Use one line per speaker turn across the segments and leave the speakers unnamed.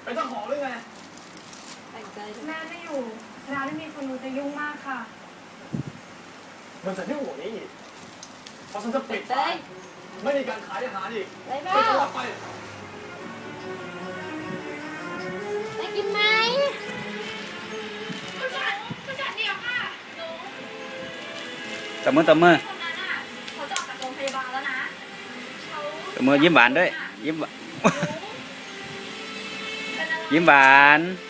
เป็นเจ้าของหรือไง
แต่งใจ
แม่ไม่อยู่ร้านไม่มีคนดูจะยุ่งมากค่ะ
มันจะยุ่งกว่านี้อีกเพราะฉันจะปิด
ได้
ไม่มีการขายอาหารอีก
ได้ไหม
ปิดตลอดไป
ได้กินไหม
ผู้จัดเดียวค่ะหนู
ตบมือตบมือ
คนนั้นอ่ะเขาจะออกจากโรงพยาบาลแล้วนะเขา
ตบมือยิ้มหวานด้วยยิ้มยิ้มหวาน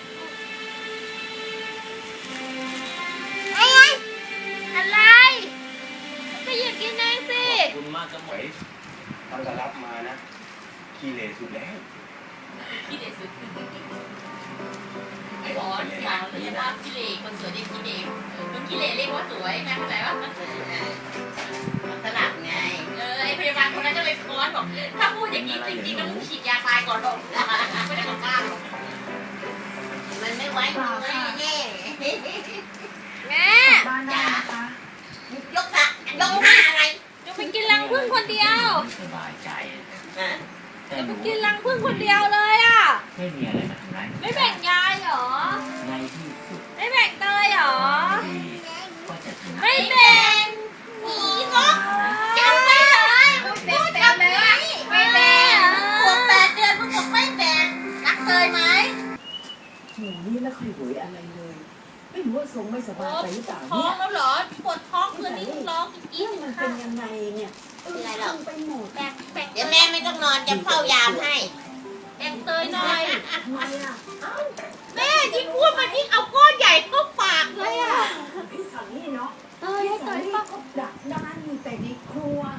อะไรก็หยิบกินเองสิ
ขอบคุณมากครับหมวยตอนจะรับมานะขี้เหร่สุดแล้ว
ขี้เหร่สุดไอ้บอสสาวเรียกว่าขี้เหร่คนสวยเรียกขี้เหร่คนขี้เหร่เรียกว่าสวยนะเข้าใจป่ะมันสลับไงไอ้พยาบาลคนนั้นก็เลยค้อนบอกถ้าพูดอย่างนี้จริงๆต้องฉีดยาตายก่อนหรอกไม่ได้กลับบ้านมันไม่ไหวแน่แน่
แม่
บ้านได้นะคะ
ยกอะยกหน้าอะไร
จะไปกินรังผึ้งคนเดียว
สบายใจ
นะ
จะไปกินรังผึ้งคนเดียวเลยอ่ะ
ไม่มีอะไรมาทำร้าย
ไม่แบ่งยายเหรอ
ในที่สุด
ไม่แบ่งเตยเหรอ
ดีก็จะชนะ
ไม่แบ่ง
หนีก็จำไม่ได้พูดจำไม่ได้ไม่แบ่งขวบ8 เดือนมึงบอกไม่แบ่งรักเคยไหม
หนูนี่ไม่ค่อยหวยอะไรเลย ไม่รู้ว่าทรงไม่สบายไปหรือเปล่า
ท้อ
เนี่
ง
ย
แล้วเหรอปวดท้องคืนนี้ร้องอีก
เรื่องมันเป็นยังไงเนี่ย
อะไรหรอ
ไปหมด
แเดี๋ยวแม่ไม่ต้องนอนจะเฝ้ายามให้แบ่งเตยหน่อย
ทำไมอ่ะ
แม่ยิ่งพูดมันยิ่งเอาก้อนใหญ่เข้าปากเลยอ่ะ
พี่สันนี่เนาะ
เตยให้เตย
พี่
ป่ะ
ก็ดักด้านอยู่แต่ในครัว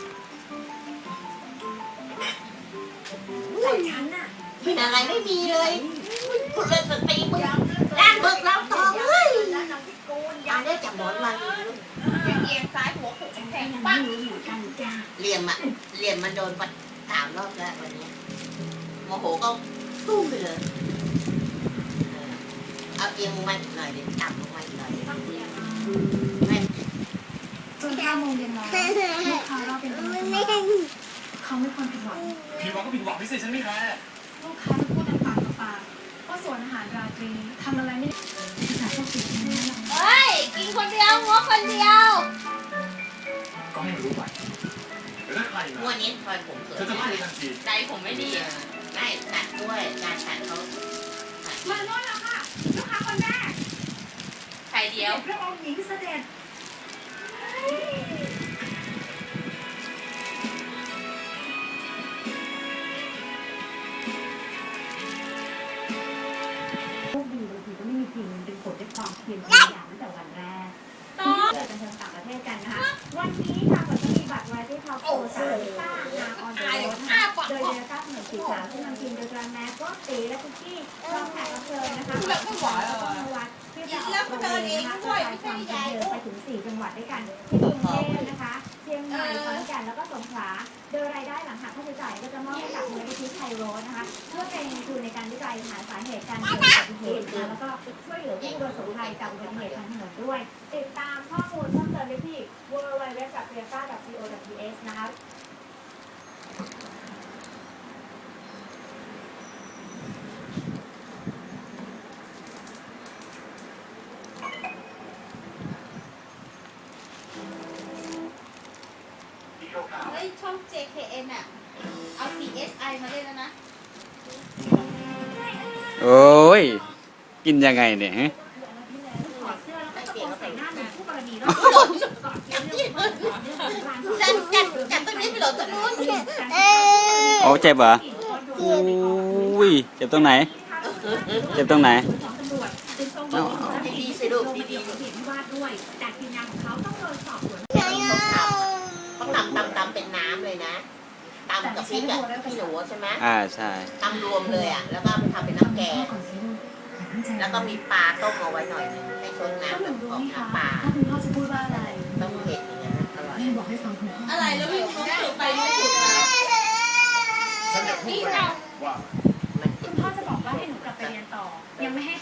แต่ฉันน่ะ
เป็นอะไรไม่มีเลยคุณเลยสติมึงด้านบึกแล้วทองเฮ้ยยาได้จับหมอนมาเอียงซ้ายหัวโขกแทง
ยัง
ปั
ไม่
ง
รู้อยู่กันจ้า
เหลี่ยมมันโดนปัด3 รอบแล้ววันนี้โมโหก็ตุ้มไปเลยเอาเอียงลงมาหน่อยดิต่ำลงมาอีกหน่อยดิไม่
จน5 โมงเย็นแล้วลูกค้ารอเป็นตัวเขาไม่ควรผิดหวัง
ผิดหวังก็ผิดหวังไม่ใช่ฉันไม่แคร์
ลูกค้าจะพูดแต่ปากต่อปากว่าสวนอาหารราตรีทำอะไรไม่ได้ภาษาพวกติดแน่นอน
เฮ้ย กินคนเดียวหัวคนเดียว
ก็ให้รู้ไปแต่ถ้าใคร
งวดนี้คอยผมเกิ
เธอจะไล่ทันที
ใจผมไม่ดีไม่ตัดด้วยการตัดเขา
มาโน่นแล้วค่ะลูกค้าคนแรก
ใครเดียว
พระองค์หญิงเสด็จโชคดีบางทีก็ไม่มีจริงเป็นผลจากความเพียรพยายามตั้งแต่วันแรก
ต่อ
เกิดกันทางต่างประเทศกันนะคะ วันนี้ค่ะเราจะมีบัตรไว้ที่ท็อปโชว์3ต้างานออนไลน์นะคะโดยเดลต้าถนนสีขาวซึ่งนำทีมโดยกราแมสก็ตีและคุกกี้พร้อมแขกรับเชิญนะคะแล้วก็วัดที่จะออกโรงเรียนนะคะกระจายความบันเทิงไปถึง4 จังหวัดด้วยกันที่กรุงเทพนะคะเชียงใหม่ขอนแก่นแล้วก็สงขลาโดยรายได้หลังหักค่าใช้จ่ายก็จะมอบให้กับมูลนิธิไทยโรสนะคะเพื่อเป็นทุนในการวิจัยหาสาเหตุการเกิดอุบัติเหตุนะคะแล้วก็ช่วยเหลือผู้ประสบภัยจากอุบัติเหตุทางถนนด้วย ติดตามข้อมูลเพิ่มเติมได้ที่ www.toyota.co.th นะคะ
เฮ้ยช่อง JKN อ่ะเอา CSI มาเล่นแล้วนะ
โอ้ยกินยังไงเนี่ยฮะ
ถอดเสื้อแล้วก็ตะโกนใส่หน้าหนุ่มคู่กรณีแล้ว
จัดตรงนี้ไปหลบตรงนู้น
โอ้เจ็บเหรออุ้ยเจ็บตรงไหน เจ็บตรงไหน
ดีๆสิลูกดี
เหตุวิวาทด้วยแต่ทีมงานของเขาต้องโดนสอบสวน
ๆเขาตำเป็นน้ำเลยนะตำกับพริกอ่ะพี่หนูใช่ไหม
ใช่
ตำรวมเลยอ่ะแล้วก็ทำเป็นน้ำแกงแล้วก็มีปลาต้มเอาไว้หน่อยนึงให้ชนน้ำแบบของน้ำปลา
ถ้าคุณพ่อจะพูดว่าอะไร
ต้องเผ็ดอย่างเงี้ยนะอร่อย
แม่บอกให้ฟังคุณพ่อ
อะไรแล้วพี่รู้สึกไปรู้สึกมา
ฉันจะพูดไปว่า
มัน
คุณพ่อจะบอกว่าให้หนูกลับไปเรียนต่อ ยังไม่ให้